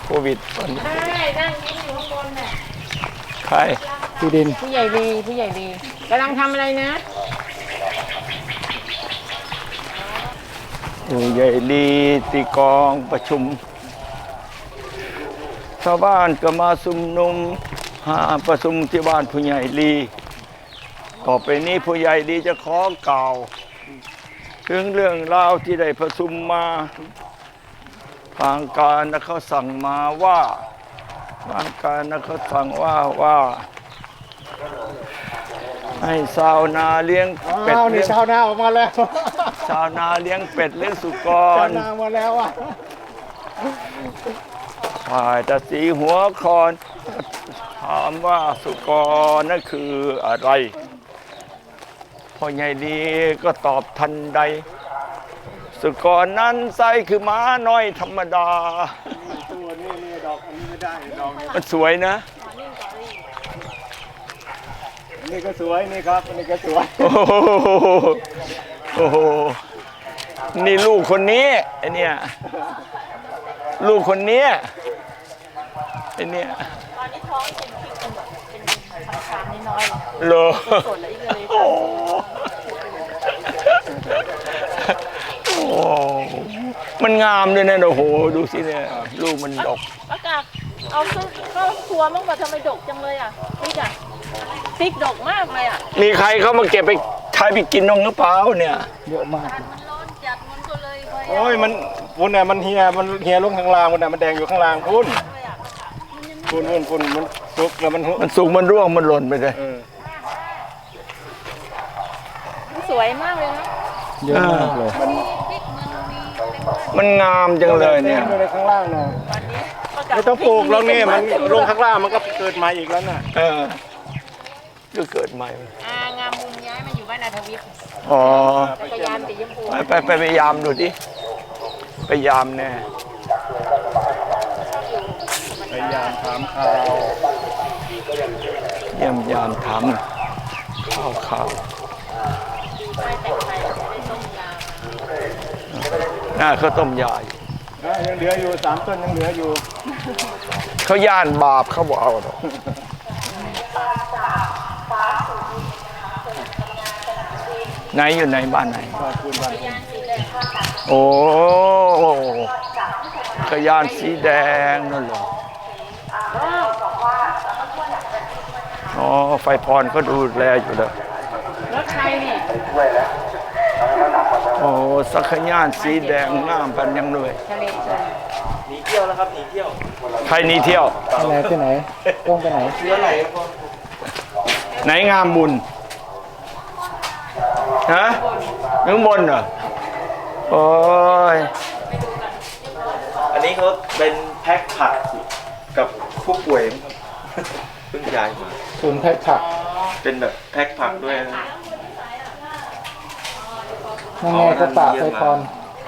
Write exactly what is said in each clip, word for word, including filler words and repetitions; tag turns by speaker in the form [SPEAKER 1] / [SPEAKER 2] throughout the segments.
[SPEAKER 1] โควิดตอนนี้
[SPEAKER 2] ใช่นั่งยิ้มอยู่ข้างบนน่ะ
[SPEAKER 1] ใครพี่ดิน
[SPEAKER 2] ผู้ใหญ่ดีผู้ใหญ่ดีกำลังทำอะไรนะ
[SPEAKER 1] ผู้ใหญ่ดีตีกองประชุมชาวบ้านก็มาชุมนุมหาประชุมที่บ้านผู้ใหญ่ดีต่อไปนี้ผู้ใหญ่ดีจะขอกล่าวถึงเรื่องราวที่ได้ประชุมมาทางการนะเขาสั่งมาว่าทางการนะเขาสั่งว่าว่าให้ชาวนาเลี้ยงเป็ด
[SPEAKER 3] นี่ชาวนาออกมาแล้ว
[SPEAKER 1] ชาวนาเลี้ยงเป็ดเลี้ยงสุกร
[SPEAKER 3] ชาวนามาแล้วอ่ะ
[SPEAKER 1] ฝ่ายตาสีหัวคอนถามว่าสุกรนั่นคืออะไรพ่อใหญ่ดีก็ตอบทันใดสุกรนั้นไส้คือม้าน้อยธรรมดา
[SPEAKER 3] ตัวนี้นี่ดอกอันนี้ไม่ได้ดอกนี้
[SPEAKER 1] มันสวยนะ
[SPEAKER 3] อันนี้ก็สวยนี่ครับอันนี้ก็สวย
[SPEAKER 1] โอ้โหโอ้โหนี่ลูกคนนี้ไอเนี่ยลูกคนนี้ไอเนี่ย
[SPEAKER 2] ตอนนี้ท้องเป็นพริกเป็นแบบเป็นคำคำนิดน้อย
[SPEAKER 1] เลยเหรอ
[SPEAKER 2] สดเลยเลย
[SPEAKER 1] โอ้มันงามเลยนะโอ้โหดูสิเนี่ยลูกมันดก
[SPEAKER 2] ประกาศเอาซื้อเข้าครัวมั่งว่าทำไมดกจังเลยอ่ะพริกอ่ะพริกดกมากเลยอ่ะ
[SPEAKER 1] มีใครเขามาเก็บไปใช้ไปกินน้องหรือเปล่าเนี่ย
[SPEAKER 3] เยอะมาก
[SPEAKER 2] มันร้อนจัดมันก็เลย
[SPEAKER 3] โอ้ยมันพุ่นน่ะมันเฮียมันเฮียลงข้างล่างมันน่ะมันแดงอยู่ข้างล่างพุ่นพุ่นพุ่นพุ่นมันสุกแล้วมัน
[SPEAKER 1] มันสุกมันร่วงมันหล่นไปเลย
[SPEAKER 2] สวยมากเลยนะ
[SPEAKER 3] เยอะมากเลย
[SPEAKER 1] มันงามจังเลยเนี่ย
[SPEAKER 3] ในข้างล่างน่ะไม่ต้องปลูกแล้วนี่มันลงข้างล่างมันก็เกิดใหม่อีกแล้วน่ะ
[SPEAKER 1] เออก็เกิดใหม่
[SPEAKER 2] อ่างามบุญย้ายมาอยู่บ้านนาทวิทย์
[SPEAKER 1] อ๋อ
[SPEAKER 2] จักรยานสีชมพู
[SPEAKER 1] ไปไปไปยามดูดิไปยามแน่
[SPEAKER 3] ไปยามถามข่าว
[SPEAKER 1] เยี่ยมยามถามข่าวข่าวน่าเขาต้มยาอยู่
[SPEAKER 3] ยังเหลืออยู่สามต้นยังเหลืออยู่
[SPEAKER 1] เขาย่านบาปเขาบอกเอาหรอกไหนอยู่ไหนบ้านไหนโอ้ขยานสีแดงนั่นเหรออ๋อไฟพรเขาดูแลอยู่เลย
[SPEAKER 2] รถใครนี่
[SPEAKER 1] โอ้สักขยานสีแดงงามปันยังเลย
[SPEAKER 3] หนีเที่ยวแล้วครับหนีเที่ยว
[SPEAKER 1] ใครหนีเที่ยว
[SPEAKER 3] ไหนที่ไหนต้องไปไหน
[SPEAKER 1] เชื้อไหนไหนงามบุญฮะข้างบนเหรอโอ้ย
[SPEAKER 4] อันนี้เขาเป็นแพ็คผักกับผู้ป่วยเพิ่งย้ายมา
[SPEAKER 3] ศูนย์แพ็คผัก
[SPEAKER 4] เป็นแบบแพ็คผักด้วยนะ
[SPEAKER 3] นั่นไงกระตาไฟพร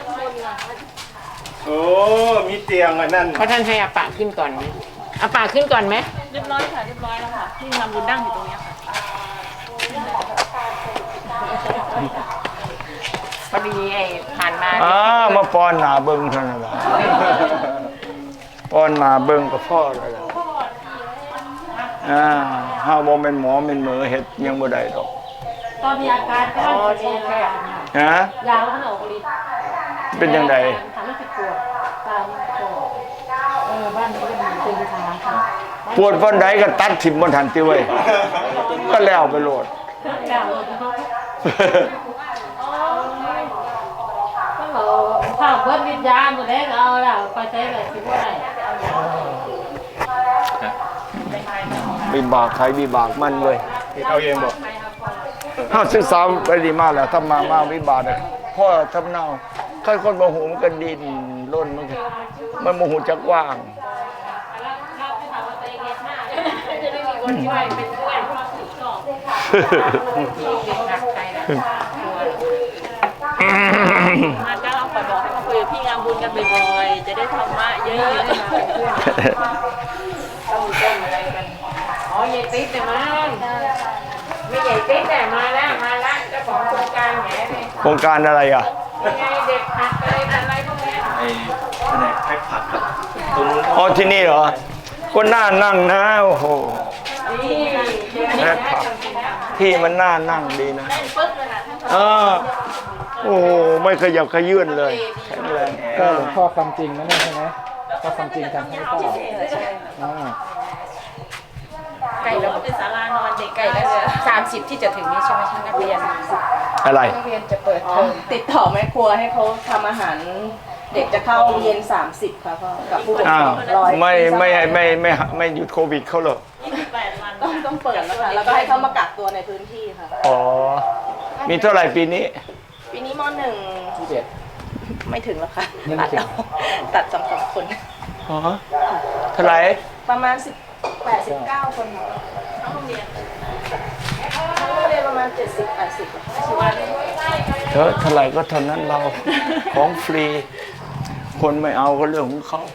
[SPEAKER 3] โอ้มีเตียงอันนั้น
[SPEAKER 2] เพราะท่านให้อาปะขึ้นก่อนไหมอาปะขึ้นก่อนไหมเรียบร้อยค่ะเรียบร้อยแล้วค่ะที่งามบุญนั่งอยู่ตรงนี้ค่ะพอดีไอ้ผ่านมา
[SPEAKER 1] อ้ามาป้อนหนาเบิ้งเท่านั้นแหละป้อนหนาเบิ้งกับพ่อเลยล่ะอ่าห้าวโมเป็นหมอเป็นเหมือเห็ดยังบ่ได้ดอก
[SPEAKER 2] ตอนมีอาการก็ดีแค่
[SPEAKER 1] ฮะ
[SPEAKER 2] ยาวขนาดอกลิ้น
[SPEAKER 1] เป็นยังไง
[SPEAKER 2] ทำให้ปวดตามปวดเออบ้านนี้ก็มีตึงขาค่ะ
[SPEAKER 1] ปวดวันใดก็ตัดถิ่มบนทันติไว้ก็แล้วไปโหลด
[SPEAKER 2] ถ้าเบิดวิญญาณหมดแล้วเอาแล้วไปใช้อะไรคิดว่าไร
[SPEAKER 1] วิบากใครวิบากมันเลย
[SPEAKER 3] เอาเองบอก
[SPEAKER 1] ถ้าศึกษาไปดีมากแล้วถ้ามามาวิบากเลยพ่อทำเน่าค่อยคนโมโหมันก็ดินล้นมันมันโมโหจักว่าง
[SPEAKER 2] จะได้มีคนช่วยเป็นเพื่อนความสุขชอบมาก็เราขอบอกให้มาคุยกับพี่งามบุญกันบ่อยๆจะได้ธรรมะเยอะๆต้องต้นอะไรกันอ๋อใหญ่ติ๊ดแต่มาไม่ใหญ่ติ๊ดแต่มาแล้วมาแล้วเจ้าของโครงการแหมเลย
[SPEAKER 1] โครงการอะไรอ่ะ
[SPEAKER 2] ยังไงเด็กผักอะไรอะไรพวกนี้
[SPEAKER 4] ไอ้แผนกแพ็คผักครับตรงนู้นเขา
[SPEAKER 1] อ๋อที่นี่เหรอก็น่านั่งนะโอ้โห
[SPEAKER 2] นี่เดี๋ยวนี้
[SPEAKER 1] แพ็คผักที่มันน่านั่งดีนะเออโอ้โหไม่ขยับขยื่นเลยแข็งแรง
[SPEAKER 5] ก็หลวงพ่อคำจริงนะเนี่ยใช่ไหมก็คำจริงทำให้เปล่าอ่า
[SPEAKER 6] ไก่แล้วก็เป็นศาลานอนเด็กไก่แล้วเนี่ยสามสิบที่จะถึงนี้ใช่ไหมท่านนักเรียน
[SPEAKER 1] อะไร
[SPEAKER 6] นักเรียนจะเปิดเทอมติดต่อแม่ครัวให้เขาทำอาหาร เด็กจะเข้าเย็นสามสิบค่ะพ่อกับผู้ปกค
[SPEAKER 1] อ้าร ว
[SPEAKER 6] องร้อย
[SPEAKER 1] ไม่ไม่ไม่ไม่ไม่ไม่หยุดโควิดเขาเหรอ
[SPEAKER 6] ต้องต้องเปิดแล้วค่ะแล้วก็ให้เขามากักตัวในพื้นที่ค่ะ
[SPEAKER 1] อ๋อมีเท่าไหร่ปีนี้
[SPEAKER 6] ปีนี้มหนึ่ง
[SPEAKER 5] ที่เด็ด
[SPEAKER 6] ไม่ถึงแล้วค่ะ
[SPEAKER 5] ไม่
[SPEAKER 6] ตัด
[SPEAKER 5] ถึง
[SPEAKER 6] เอาตัดสองสองคน
[SPEAKER 1] อ๋อเท่าไหร่
[SPEAKER 6] ประมาณสิบแปดสิบเก้าคนค่ะทั้งโรงเรียนทั้งโรงเรียนประมาณเจ็ดสิบแปดสิบค่ะ
[SPEAKER 1] เธอเท่าไหร่ก็เท่านั้นเราของฟรี คนไม่เอาก็เรื่องของเขา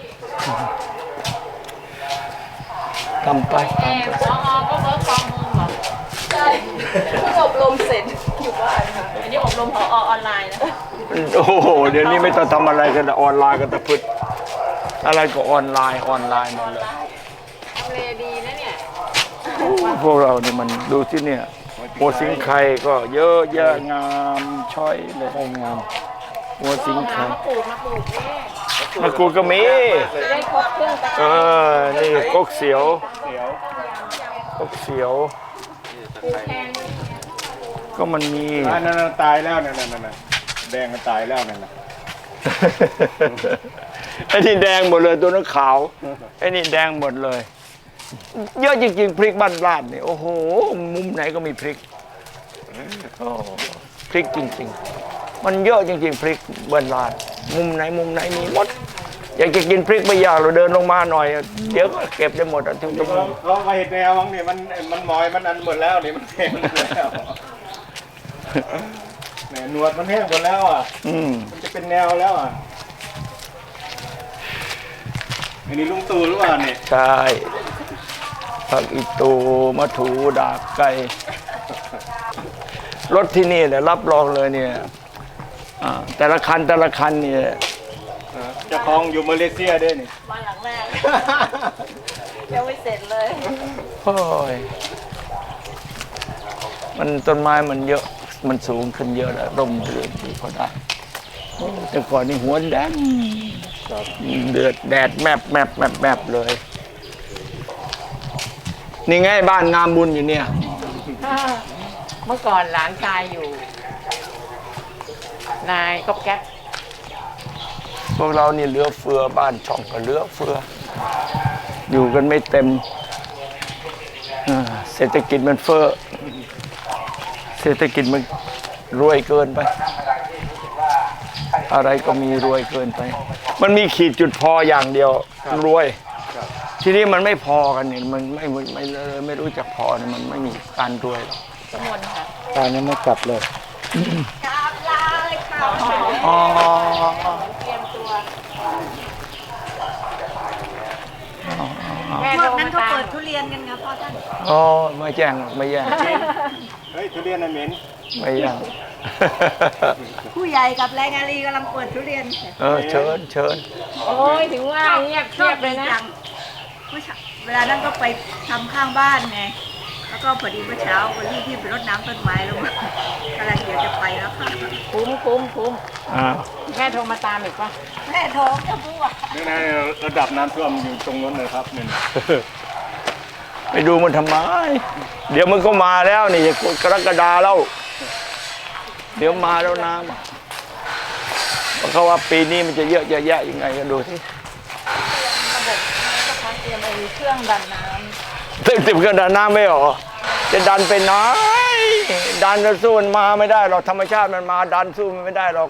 [SPEAKER 1] ทำไป
[SPEAKER 2] แอ
[SPEAKER 1] ทำ
[SPEAKER 2] บ
[SPEAKER 1] ไป
[SPEAKER 2] พอก็เวิร์กฟอร์มโฮมเหรอ
[SPEAKER 6] ใช่เพิ่งอบรมเสร็จอยู่บ้านค่ะ
[SPEAKER 2] อันนี้อบรมพอออนไลน์นะ
[SPEAKER 1] โอ้โหเดี๋ยวนี้ไม่ต้องทำอะไรกันออนไลน์กันแต่พึ่อะไรก็ออนไลน์ออนไลน์หมดเลย
[SPEAKER 2] ทำเลดีนะเนี่ย
[SPEAKER 1] พวกเราเนี่ยมันดูที่เนี่ยหัวสิงไข่ก็เยอะแยะงามช้อยเลย
[SPEAKER 5] ได้งาม
[SPEAKER 1] หัวสิงไข่
[SPEAKER 2] มาปลูกมาปลูกนี่
[SPEAKER 1] มะกรูดก็มี
[SPEAKER 2] จะได้ครบเครื่องตะ
[SPEAKER 1] เออนี่กกเสียว
[SPEAKER 3] เดี๋ยว
[SPEAKER 1] กกเสียว
[SPEAKER 2] ปูแพง
[SPEAKER 1] ก็มันมี
[SPEAKER 3] อันนั้นนะตายแล้วนั่นนั่นนั่นแดงมันตายแล้วนั่นน่ะ
[SPEAKER 1] ไอ้นี่แดงหมดเลยตัวนั้นขาวไอ้นี่แดงหมดเลย เยอะจริงๆพริกบ้านลาดนี่โอ้โหมุมไหนก็มีพริกโอ้พริกจริงๆ มันเยอะจริงๆพริกบ้านลาดมุมไหนมุมไหนมีหมด อยากจะกินพริกไม่ยากเราเดินลงมาหน่อย เดี๋ยวก็เก็บได้หมดอ่ะทุก
[SPEAKER 3] เราเรามาเห็ดแนวมั้งนี่มันมันมอยมันอันหมดแล้วนี่มันแห้งหมดแล้วแหมหนวดมันแห้งหมดแล้วอ่ะ
[SPEAKER 1] อืม
[SPEAKER 3] มันจะเป็นแนวแล้วอ่ะอันนี้ลุงตู่หรือเปล่าเนี่ย
[SPEAKER 1] ใช่ผักอีตูมะถูดาบไก่รถที่นี่แหละรับรองเลยเนี่ยอ่าแต่ละคันแต่ละคันเนี่ย
[SPEAKER 3] เจะคลองอยู่มาเลเซียด้วยนี่
[SPEAKER 6] วันหลังแรกยังไม่เสร็จเลย
[SPEAKER 1] โอ้ยมันต้นไม้มันเยอะมันสูงขึ้นเยอะแล้วร่มเรือนที่เขาได้แต่ก่อนนี่หัวแดงเดือดแดดแมบแมบแมบแมบเลย นี่ไงบ้านงามบุญอยู่เนี่ย
[SPEAKER 2] เมื่อก่อนหลานชายอยู่ นายก๊อบแก๊บ
[SPEAKER 1] พวกเรานี่เหลือเฟือบ้านช่องก็เหลือเฟือ อยู่กันไม่เต็มอ่าเศรษฐกิจมันเฟ้อเศรษฐกิจมันรวยเกินไป อะไรก็มีรวยเกินไป มันมีขีดจุดพออย่างเดียวรวย ทีนี้มันไม่พอกันเนี่ยมันไม่ไม่ไม่เลยไม่รู้จักพอเนี่ยมันไม่มีการรวยหรอก
[SPEAKER 2] สมนค่ะ
[SPEAKER 5] ตอนนี้ไม่กลับเลย
[SPEAKER 1] อ๋อ
[SPEAKER 2] แม่
[SPEAKER 7] พ
[SPEAKER 2] โท
[SPEAKER 7] ว
[SPEAKER 2] ร
[SPEAKER 7] กนั้
[SPEAKER 2] มาน
[SPEAKER 7] เขา
[SPEAKER 2] ตาม
[SPEAKER 7] เปิดทุเรียนกันครับพ่อท่าน
[SPEAKER 1] อ๋อไม่แจ้งหรอกไม่แย่ง
[SPEAKER 3] เฮ้ยทุเรียนน่ะเหม็น
[SPEAKER 1] ไม่แย่ง
[SPEAKER 7] ผู้ใหญ่กับแรงงานรีกำลังเปิดทุเรียน
[SPEAKER 1] เออเชิญเชิญ
[SPEAKER 2] โอ้ยถึงว่าเงียบ
[SPEAKER 7] ช
[SPEAKER 2] เงี
[SPEAKER 7] อย
[SPEAKER 2] บบ เลยนะ
[SPEAKER 7] จังเมื่อเช้าเวลานั้นก็ไปทำข้างบ้านไง แล้วก็พอดีเมื่อเช้าก็รีบที่ไปรดน้ำต้นไม้แล้วกำลังเดี๋ยวจะไปแล้วค่ะ
[SPEAKER 2] คุ้มคุ้มคุ้ม
[SPEAKER 1] อ่า
[SPEAKER 2] แม่โทรมาตามอีกปะ
[SPEAKER 7] แม่ท้องจะพูดว่า
[SPEAKER 3] นี่นะระดับน้ำท่วมอยู่ตรงนู้นเลยครับนี่นะ
[SPEAKER 1] ไปดูมันทำไม เดี๋ยวมันก็มาแล้วนี่กรกฎาแล้ว เดี๋ยวมาแล้วน้ำอะเพราะเขาว่าปีนี้มันจะเยอะจะแยะยังไงกันดูที่
[SPEAKER 6] เขาเตรียมไอ้เครื่องดันน้
[SPEAKER 1] เต็มเต็มเครื่องดันน้ำไม่หรอจะดันไปไหนดันจะสู้มันมาไม่ได้หรอกธรรมชาติมันมาดันสู้มันไม่ได้หรอก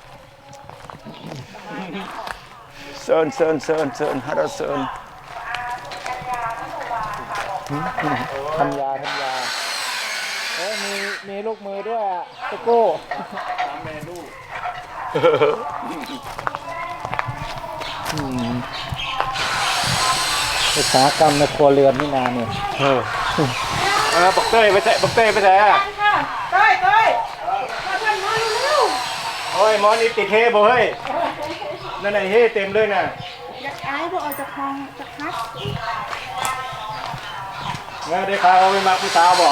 [SPEAKER 1] เซิร์นเซิร์นเซิร์นเซิร์นฮัลโหลเซิร์น
[SPEAKER 5] ทำยาทำยาเอ้ยมีมีลูกมือด้วยอ่ะตะโก้ อุตสาหกรรมในครัวเรือนนี่นานเนี่ย
[SPEAKER 1] เออ
[SPEAKER 3] เออบักเต้ยไปใส่บักเต้ยไปใส่อะ
[SPEAKER 6] ำต้อยต้อย
[SPEAKER 3] โอ้ยหมอนี่ติดเฮบ่เฮ้ยนั่นไอ้เฮเต็มเลยน่ะ
[SPEAKER 7] ไอ
[SPEAKER 6] ไอ้บอกเอาจากคลองจากพัด
[SPEAKER 3] เงี้ยได้ข่าวเอาไปมาผู้สาวบอก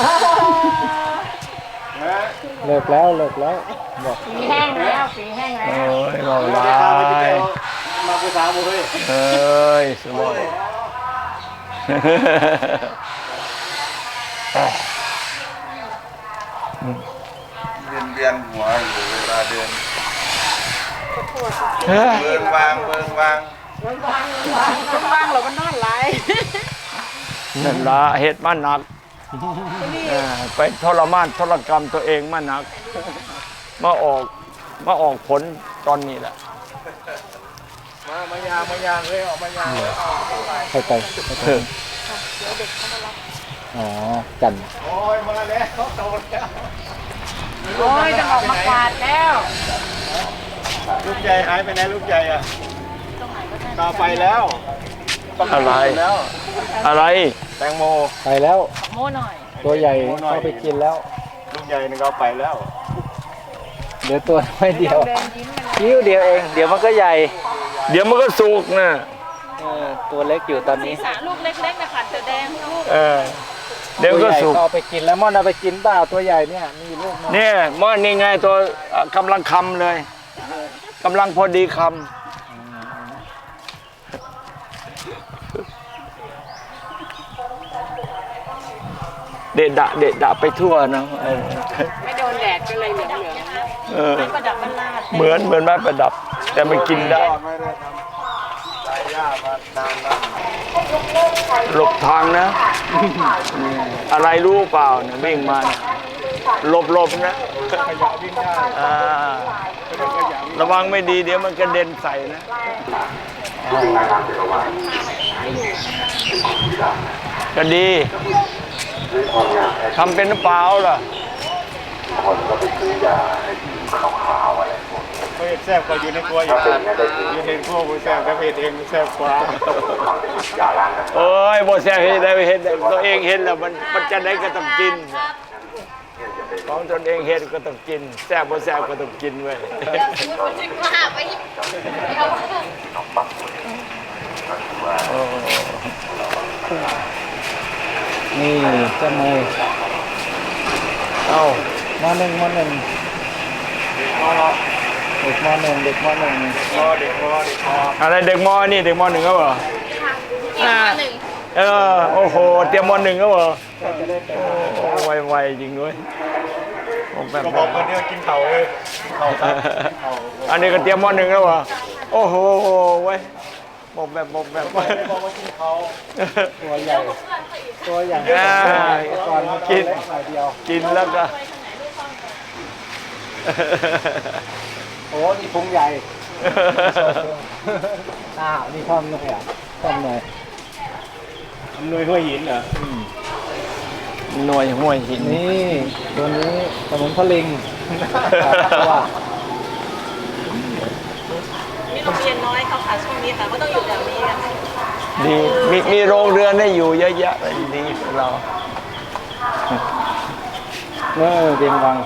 [SPEAKER 3] เงี้ย
[SPEAKER 5] เลิกแล้วเลิกแล้วบอก
[SPEAKER 2] ฝีแห้งแล้วฝีแห้งแล้
[SPEAKER 1] โอ้
[SPEAKER 2] วย
[SPEAKER 1] เรา
[SPEAKER 3] ได้
[SPEAKER 1] ลา
[SPEAKER 3] ข่าวไปที่
[SPEAKER 1] ย
[SPEAKER 3] เดียวมาผู้สาวบอกเฮ้ย
[SPEAKER 1] เอ้ยสบาย
[SPEAKER 8] เวียนเวียนหัวอยู่เวลาเดิน
[SPEAKER 1] เฮ้ย
[SPEAKER 8] เบิงวางเบิงวาง
[SPEAKER 6] บ้างเราก็นอนไหล
[SPEAKER 1] นั่นละเหตุมาหนักเออไปทรมานทรกรรมตัวเองมาหนัก มาออกมาออกผลตอนนี้แหละ
[SPEAKER 3] มามายางมายางเลยออกมายางเลยเอา
[SPEAKER 5] เข้าใจเข้าใจอ๋อจันทร์
[SPEAKER 3] โอ้ยมาแล้วเขาโตแล้ว
[SPEAKER 2] โอ้ยจะออกมากวาดแล้ว
[SPEAKER 3] ลูกใหญ่หายไปไหนลูกใหญ่อ่ะต่อไปแล้ว
[SPEAKER 1] อะไร
[SPEAKER 3] แล้ว
[SPEAKER 1] อะไร
[SPEAKER 3] แตงโม
[SPEAKER 5] ไปแล้ว
[SPEAKER 2] โม่หน่อย
[SPEAKER 5] ตัวใหญ่เข้าไปกินแล้ว
[SPEAKER 3] ลูกใหญ่นึงเอาไปแล้ว
[SPEAKER 5] เดี๋ยวตัวน้อยเดียว
[SPEAKER 2] เดินยิ้มไปเลย
[SPEAKER 5] คิ้วเดียวเอง เดี๋ยวมันก็ใหญ่
[SPEAKER 1] เดี๋ยวมันก็สุกนะ
[SPEAKER 5] เออตัวเล็กอยู่ตอนนี้
[SPEAKER 6] สาลูกเล็กๆนะคะเสือแดงลูก
[SPEAKER 1] เออเดี๋ยว
[SPEAKER 5] ตัว
[SPEAKER 1] ก็
[SPEAKER 5] ใหญ่
[SPEAKER 1] สุก
[SPEAKER 5] ก็เอาไปกินแล้วม่อนเอาไปกินเปล่าตัวใหญ่เนี่ยมีลูกนะ
[SPEAKER 1] เนี่ยมอนี่ไงตัวเอ่อกำลังคำเลยกำลังพอดีคำเด็ดดะเด็ดดะไปทั่วนะเออ
[SPEAKER 2] ไม่โดนแดดก็เลยเหลืองเหลือง
[SPEAKER 1] เออ
[SPEAKER 6] ประดับมันลาด
[SPEAKER 1] เหมือนเหมือนไม้ประดับ แต่มันกินได้
[SPEAKER 3] ไม่ได้ทำสายหญ้ามานานแล้ว
[SPEAKER 1] หลบทางนะ อะไรรู้เปล่าเนี่ยวิ่งมาเนี่ยหลบหลบนะ
[SPEAKER 3] ขยะวิ่งได้
[SPEAKER 1] อ่า
[SPEAKER 3] ไม่ต้องขยะวิ่ง
[SPEAKER 1] ระวังไม่ดีเดี๋ยวมันกระเด็นใส่นะก็ดีทำเป็นหรือเปล่าล่ะ
[SPEAKER 3] เพศแซ่บกว่าอยู่ในครัวอยู่อยู่ในครัวคุณแซ่บแต่เพศเองแซ่บกว่า
[SPEAKER 1] เอ้ยบ่แซ่บเห็นได้เห็นได้ตัวเองเห็นแล้วมันมันจะได้ก็ต้องกิน ของตนเองเห็นก็ต้องกินแซ่บบ่แซ่บก็ต้องกินเว้ย โอ้
[SPEAKER 5] นี่เจ้าเมย์
[SPEAKER 1] เอ้า
[SPEAKER 5] มหนึ่งมหนึ่งเด็กมหนึ่งเด็กมหนึ่ง
[SPEAKER 3] พอเด็กพอเด็กพอ
[SPEAKER 1] อะไรเด็กมอนี่เด็กมหนึ่งก็เหรออ่าเออโอ้โหเตรียมมหนึ่งก็เหรอโอ้ไวๆจริงด้วยผมแบบ
[SPEAKER 3] ก็บอกคนที่กินเข่าเลยเข่าครับเข่า
[SPEAKER 1] อันนี้ก็เตรียมมหนึ่งแล้วเหรอโอ้โหเว้ยบอกแบบบอกแบบ
[SPEAKER 3] ไม่บอกว่ากินเขา
[SPEAKER 5] ตัวใหญ่ ตัวอย่าง
[SPEAKER 1] อ่า
[SPEAKER 5] ก่อนมัน
[SPEAKER 1] กิน
[SPEAKER 5] เล็กหน่อยเดียว
[SPEAKER 1] กินแล้วก็
[SPEAKER 5] โอ้นี่พุงใหญ่ อ้าวนี่ท่อมหน่อยอ่ะท่อมหน่อย
[SPEAKER 3] อำนวยห้วยหินเหรอ
[SPEAKER 1] หน่วยห้วยหิน
[SPEAKER 5] นี่ตัวนี้สมุนพลิงว่า
[SPEAKER 6] มีโรงเรียนน้อยเขาค่ะช่วงนี้ค่ะก็ต้องอยู่แถวนี้กัน
[SPEAKER 1] ดีมีมีโรงเรือนให้อยู่เยอะแยะเลยดีของเรา
[SPEAKER 5] เออเดียงวัง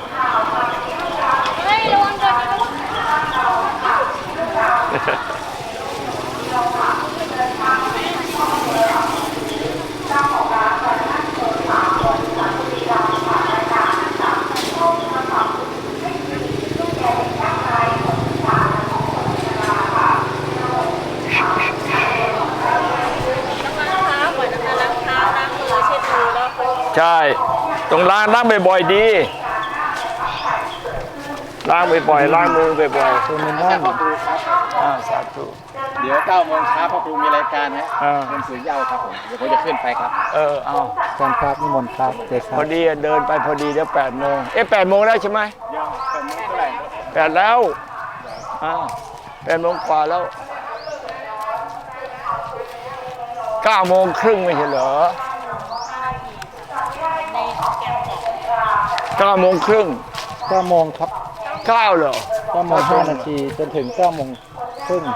[SPEAKER 1] ใช่ต้องล้างล้างบ่อยๆดีล้างบ่อยๆล้างมือบ่อย
[SPEAKER 5] ตัวมินนอน
[SPEAKER 1] ๆอ่าสาธุ
[SPEAKER 3] เดี๋ยวเก้าโมงเช้าพ่อครูมีรายการฮะ
[SPEAKER 1] อ่า
[SPEAKER 3] เป็นสื่อเย้าครับผมเดี๋ยวผมจะขึ้นไปครับ
[SPEAKER 1] เออเอา
[SPEAKER 5] การครับนิมนต์ครับเด็กค
[SPEAKER 1] พ
[SPEAKER 5] รั
[SPEAKER 1] อบ ดีเดินไปพอดีเดี๋ยวแปดโมงเอ๊ะแปดโมงแล้วใช่ไหม
[SPEAKER 3] ยังแต่ไม่เท่าไหร่
[SPEAKER 1] แปดแล้วอ่าแปดโมงกว่าแล้วเก้าโมงครึ่งไม่ใช่เหรอเก้าโมงครึ่ง
[SPEAKER 5] เก้าโมงครับ
[SPEAKER 1] เก้าเหรอ
[SPEAKER 5] เก้าโมงห้านาทีจนถึงเก้าโมงครึ่ง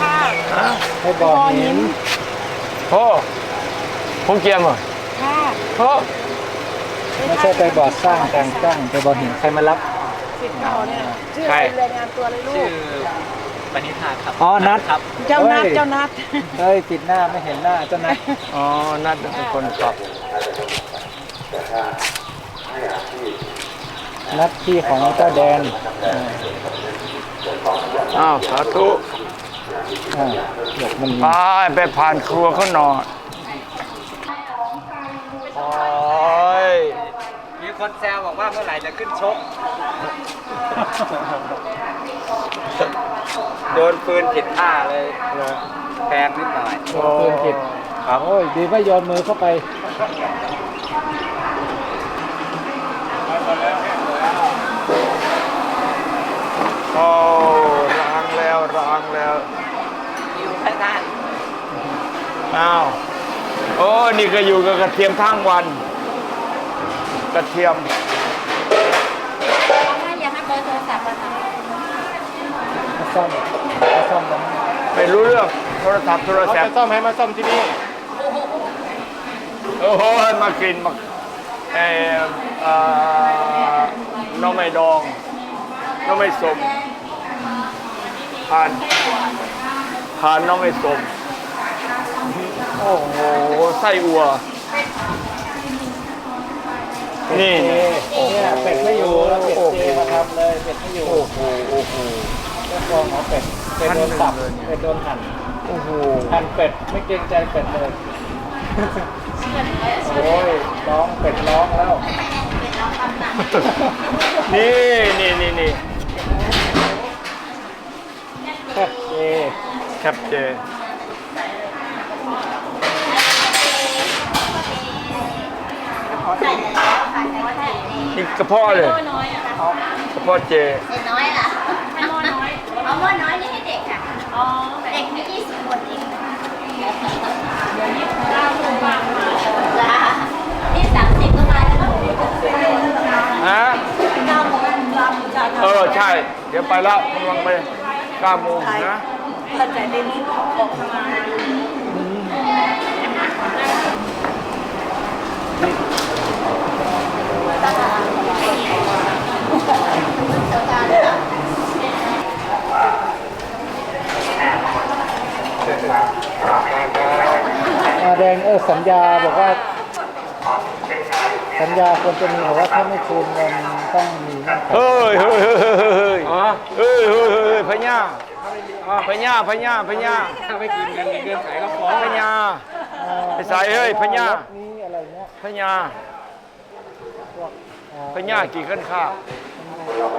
[SPEAKER 5] ให้บ่อหิน
[SPEAKER 1] โอ้คงเกียมเหรอ
[SPEAKER 6] ค่ะ
[SPEAKER 1] เพราะ
[SPEAKER 5] ไม่ใช่ไปบอร์ดสร้างการสร้างไปบอร์ดเห็นใครมารับ
[SPEAKER 6] สิบเก้าเนี่ยชื่อ
[SPEAKER 1] ใคร
[SPEAKER 6] อะไรรายงานตัวเลยลูก
[SPEAKER 4] ปณิธานครับ
[SPEAKER 5] อ๋อนัด
[SPEAKER 4] ครับ
[SPEAKER 6] เจ้านัดเจ้านัด
[SPEAKER 5] เฮ้ยปิดหน้าไม่เห็นหน้าเจ้านัด
[SPEAKER 1] อ๋อนัดเป็นคนขับ
[SPEAKER 5] นัดที่ของเจ้าแดน
[SPEAKER 1] อ้าวสาธุ
[SPEAKER 5] อ่าเด็กมัน
[SPEAKER 1] ไปไปผ่านครัวเขาหน่อยโอ้ย
[SPEAKER 4] มีคนแซวบอกว่าเมื่อไหร่จะขึ้นชก โดนปืนผิดท่าเลยแพงนิดหน่อย
[SPEAKER 5] โดนปืนผิดครับโอ้ยดีไม่โยนมือเข้าไป
[SPEAKER 1] โอ้ล้างแล้วล้างแล้ว
[SPEAKER 2] อยู่ข้างหน้า
[SPEAKER 1] อ้าวโอ้นี่ก็อยู่กับกระเทียมทั้งวัน กระเทียม
[SPEAKER 6] อยากให้เบอร์โทรศัพท์มาทำ
[SPEAKER 5] มาซ่อมมาซ่อมตรงนี้
[SPEAKER 1] ไม่รู้เรื่องโทรศัพท์โทร
[SPEAKER 3] เขา
[SPEAKER 1] ศัพ
[SPEAKER 3] จะ
[SPEAKER 1] ท์
[SPEAKER 3] ซ่อมให้มาซ่อมที่นี่
[SPEAKER 1] โอ้โหมากินมาเออเอ่อน้องไม่ดองน้องไม่สมผ่านผ่านน้องไม่สมโอ้โหไส้อัว นี่
[SPEAKER 5] เจเนี่ยเป็ดไม่อยู่แล้วเป็ดเจมาทำเลยเป็ดไม่อยู่
[SPEAKER 1] โอ้โหโอ้โห
[SPEAKER 5] เจ้าของเอาเป็ดเป็ดโดนสับเป็ดโดนหั่น
[SPEAKER 1] โอ้โห
[SPEAKER 5] หั่นเป็ดไม่เกรงใจเป็ดเลยโอ้ยร้องเป็ดร้องแล้ว
[SPEAKER 1] นี่นี่นี่นี่
[SPEAKER 5] แคบเจ
[SPEAKER 1] แคปเจนี่กระเพาะเลยกระเพาะเจ
[SPEAKER 6] เด็กน้อยล่ะให้หม้อน้อยเอาหม้อน้อยนี่ให้เด็กค่ะอ๋อเด็กมียี่สิบคนเองเดี๋ยวนี้เก้าคนบ้างมาจ้านี่สามสิบก็มาแล้ว
[SPEAKER 1] ฮะ
[SPEAKER 6] เก้าโมงรำจะ
[SPEAKER 1] เออ ใช่ เดี๋ยวไปแล้วกำลังไปเก้าโมงนะ
[SPEAKER 6] เข้าใจในนี้ออกมา
[SPEAKER 5] อาแดงเออสัญญาบอกว่า สัญญาควรจะมีบอกว่าถ้าไม่คืนเงินต้องมีเงื่อนไข
[SPEAKER 1] เฮ้ยเฮ้ยเฮ้ยเฮ้ยเฮ้ยเฮ้ยเฮ้ยเฮ้ยพญาพญาพญาพญา
[SPEAKER 3] ถ้าไม่กินเงินเงินไขก็ฟ้อง
[SPEAKER 1] พญา ไปใส่เฮ้ยพญา
[SPEAKER 5] รถนี้อะไรเงี้ย
[SPEAKER 1] พญา
[SPEAKER 5] พวกอ่
[SPEAKER 1] พญากี่ขั้นข้าว
[SPEAKER 5] เ